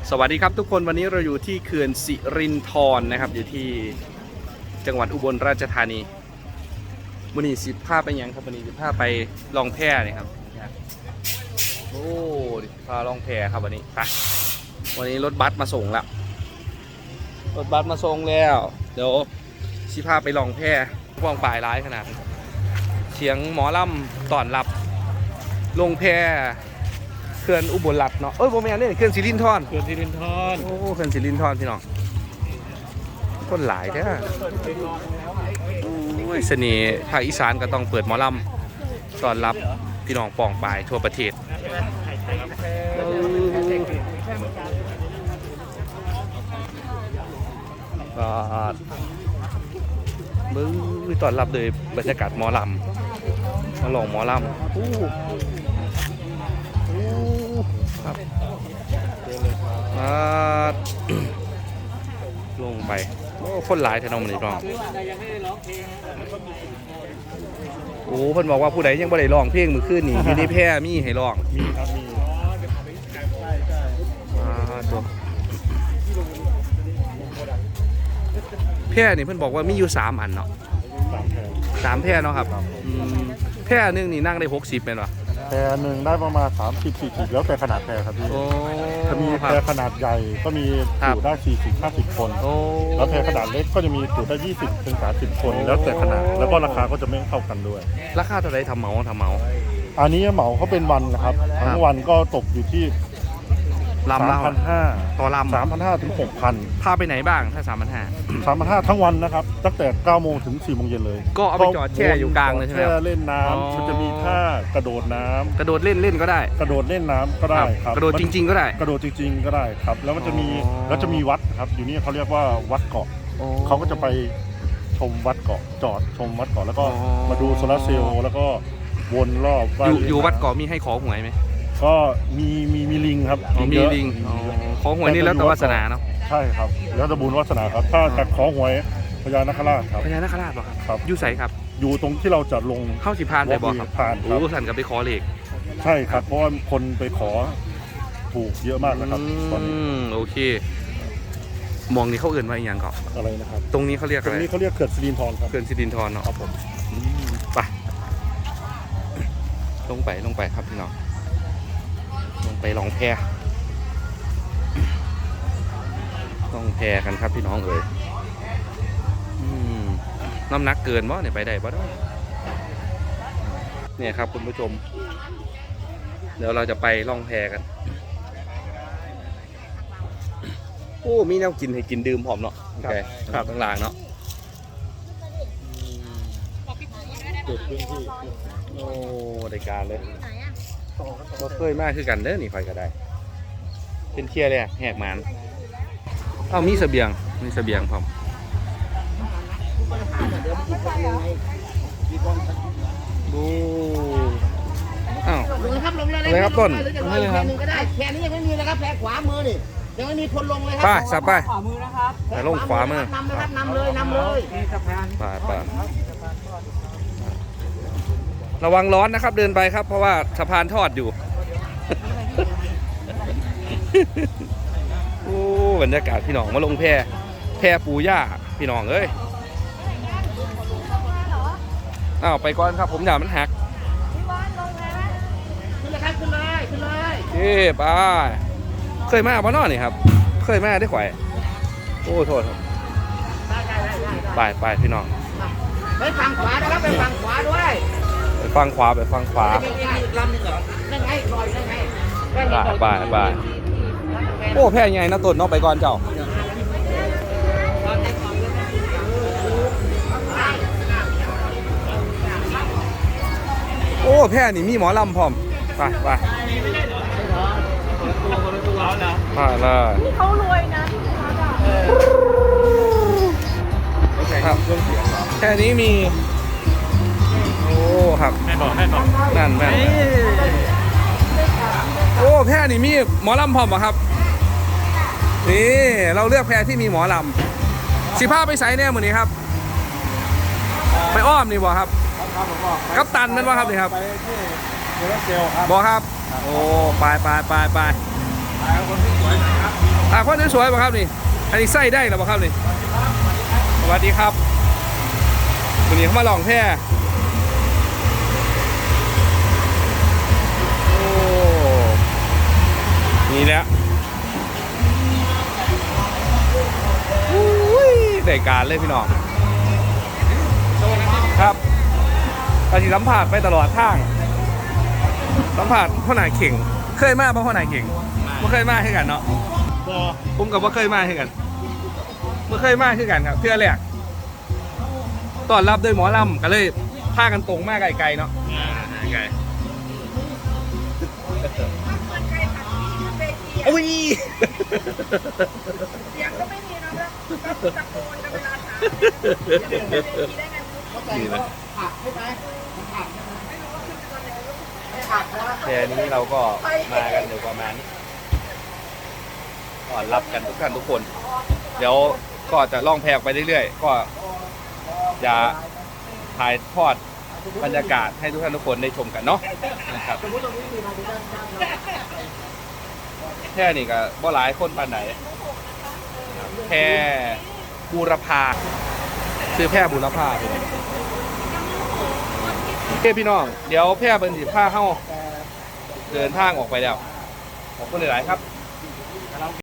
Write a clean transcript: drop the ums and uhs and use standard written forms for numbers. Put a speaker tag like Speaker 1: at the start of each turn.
Speaker 1: สวัสดีครับทุกคนวันนี้เราอยู่ที่เขื่อนสิรินธรนะครับอยู่ที่จังหวัดอุบลราชธานีวันนี้สิพาไปยังครับวันนี้สิพาไปลองแพนี่ครับโอ้พาลองแพครับวันนี้ไปวันนี้รถบัสมาส่งแล้วรถบัสมาส่งแล้วเดี๋ยวสิพาไปลองแพว่องปลายร้ายขนาดเสียงหมอลำตอนรับลงแพเขื่อนอุบลรัตน์เนาะโมเมนต์นี่เขื่อนสิรินธรโอ้เขื่อนสิรินธรพี่น้องคนหลายแท้โอ้ยเสน่ห์ภาคอีสานก็ต้องเปิดหมอลำต้อนรับพี่น้องป่องปายทั่วประเทศก็มือต้อนรับโดยบรรยากาศหมอลำมาลองหมอลำครับลงไปโอ้คนหลายแถวน้องมันนี่ร้องโอ้เพิ่นบอกว่าผู้ใดยังบ่ได้ร้องเพลงมื้อคืนนี่อยู่ในแพร่มีให้ร้องมีครับมีตัวแพร่นี่เพิ่นบอกว่ามีอยู่3อันเนาะ3แพร่เนาะครับแพร่นึงนี่นั่งได้60แม่นบ่
Speaker 2: แพรหนึ่งได้ประมาณ30-40แล้วแต่ขนาดแพรครับพี่จะมีแพรขนาดใหญ่ก็มีจุได้40-50 คนแล้วแพรขนาดเล็กก็จะมีจุได้20-30 คนแล้วแต่ขนาดแล้วก็ราคาก็จะไม่เท่ากันด้วย
Speaker 1: ราคาเท่าไหร่ทำเหมา
Speaker 2: อันนี้เหมาเขาเป็นวันนะครับทั้งวันก็ตกอยู่ที่3,500
Speaker 1: ต่อลำ
Speaker 2: 3,500 ถึง 6,000
Speaker 1: พาไปไหนบ้างถ้า
Speaker 2: 3,500ทั้งวันนะครับตั้งแต่9 โมงถึง4 โมงเย็นเลย
Speaker 1: ก็เอาไปจอดแช่อยู่กลางเลยใช่ไหม
Speaker 2: แช่เล่นน้ำมันจะมีท่ากระโดดน้ำ
Speaker 1: กระโดดเล่นก็ได้
Speaker 2: กระโดดเล่นน้ำก็ได้ครับ
Speaker 1: กระโดดจริงๆก็ได้
Speaker 2: กระโดดจริงๆก็ได้ครับแล้วมันจะมีวัดครับอยู่นี่เขาเรียกว่าวัดเกาะเขาก็จะไปชมวัดเกาะจอดชมวัดเกาะแล้วก็มาดูโซลาร์เซลล์แล้วก็วนรอบ
Speaker 1: อยู่วัดเกาะมีให้ขอหวยไหม
Speaker 2: ก็มีลิงครับ
Speaker 1: มีลิงขอหวยนี่แล้วแต่วาสนาเนาะ
Speaker 2: ใช่ครับแล้วแต่บุญวาสนาครับถ้าจะขอหวยพญานาคราชครับ
Speaker 1: พญานาคราชป่ะครับอยู่ไสครับ
Speaker 2: อยู่ตรงที่เราจะลง
Speaker 1: เข้าสิพานไปบ่ครับ
Speaker 2: ผ่าน
Speaker 1: โอ้สั่นกับไปขอเลข
Speaker 2: ใช่ครับเพราะว่าคนไปขอถูกเยอะมากนะครับตอนนี้
Speaker 1: โอเคมองนี่เขาเอื่นว่าอย่างก่อน
Speaker 2: อะไรนะครับ
Speaker 1: ตรงนี้เขาเรียกอะไร
Speaker 2: ตรงนี้เขาเรียกเขื่อนสิรินธรครับ
Speaker 1: เขื่อนสิรินธรเนาะ
Speaker 2: ครับผม
Speaker 1: ไปลงไปครับพี่น้องลงไปลองแพต้องแพกันครับพี่น้องเอ๋ยน้ำหนักเกินบ่เนี่ยไปได้บ่ได้เนี่ยครับคุณผู้ชมเดี๋ยวเราจะไปล่องแพกันโอ้มีแนวกินให้กินดื่มพร้อมเนาะโอเคครับข้างล่างเนาะโอ้ได้การเลยก็เคยมากคือกันเด้อนี่ไฟก็ได้เป็นเที่ยเลยแหกมันมีเสบียงพร้อมดู
Speaker 3: ลงเลยครับลงเลย
Speaker 1: อะไรครับต้น
Speaker 3: ให้เลยครับก็ได้แพนี้ยังไม่มีนะครับแพขวามือนี่ยังไม่มีคนลงเลยครับ
Speaker 1: ป้าสับไป
Speaker 3: ขวามือนะครับ
Speaker 1: แต่ลงขวามือน
Speaker 3: ำนะครับนำเลย
Speaker 1: ป้าระวังร้อนนะครับเดินไปครับเพราะว่าสะพานทอดอยู่โอ้บรรยากาศพี่น้องมาลงแพปูย่าพี่น้องเอ้ยไปก่อนครับผมอย่ามันหัก
Speaker 3: ขึ้นเลยครับขึ้นเลย
Speaker 1: ไปเคยมาปะน้อนี่ครับเคยมาได้ข่อยโอ้โทษครับไปพี่น้อง
Speaker 3: ไปฝั่งขวานะครับไปฝั่งขวาด้วย
Speaker 1: ไปฝั่งขวา
Speaker 3: ลำหนึ่งเหรอนั่งไงลอยนั่งไง
Speaker 1: ไปโอ้แพใหญ่นะต้นเนาะไปก่อนเจ้าโอ้แพนี่มีหมอลำพร้อมไปเลย
Speaker 4: เขารวยนะ
Speaker 1: ครับแค่นี้มีโอ้ครับให้บอกนั่นแม่โอ้แพนี่มีหมอลำพร้อมป่ะครับนี่เราเลือกแพที่มีหมอลำ15ไปใส่แน่หมดนี้ครับไปอ้อมนี่บ่ครับกัปตันนั่นว่าครับนี่ครับ
Speaker 2: โซลาร์เซลล์ครับ
Speaker 1: บอกครับโอ้ไป
Speaker 2: คนที่สวยนะครับ
Speaker 1: คนสวยๆป่ะครับนี่อันนี้ไส้ได้หรือเปล่าครับนี่สวัสดีครับวันนี้เขามาลองแพโอ้นี่แหละได้การเลยพี่น้องครับตอนที่สัมผัสไปตลอดทางสัมผัสพ่อหน่ายเข่งเคยมาป่ะพ่อหน่ายเข่งไม่เคยมาให้กันเนาะผมกับว่าเคยมาให้กันไม่เคยมาให้กันครับเพื่อแรกตอนรับด้วยหมอลำก็เลยพากันตรงมากไกลๆเนาะไกลโอ้ย
Speaker 4: เสียงก็ไม่มีนะก็ตะโกนกันเวลาถามได้ไง
Speaker 1: นี่นะ
Speaker 3: ผักใช่ไหมผัก
Speaker 1: แค่นี้เราก็มากันอยู่ประมาณนี้ก่อนรับกันทุกท่านทุกคน เดี๋ยวก็จะล่องแพไปเรื่อยๆก็จะถ่ายทอดบรรยากาศให้ทุกท่านทุกคนได้ชมกันเนาะนะครับแค่นี้ก็บ่หลายคนปานไหนแพบูรพาซื้อแพบูรพาพี่น้องเดี๋ยวแพเป็นสีผ้าเข้าเดินทางออกไปแล้วขอบคุณหลายๆครับ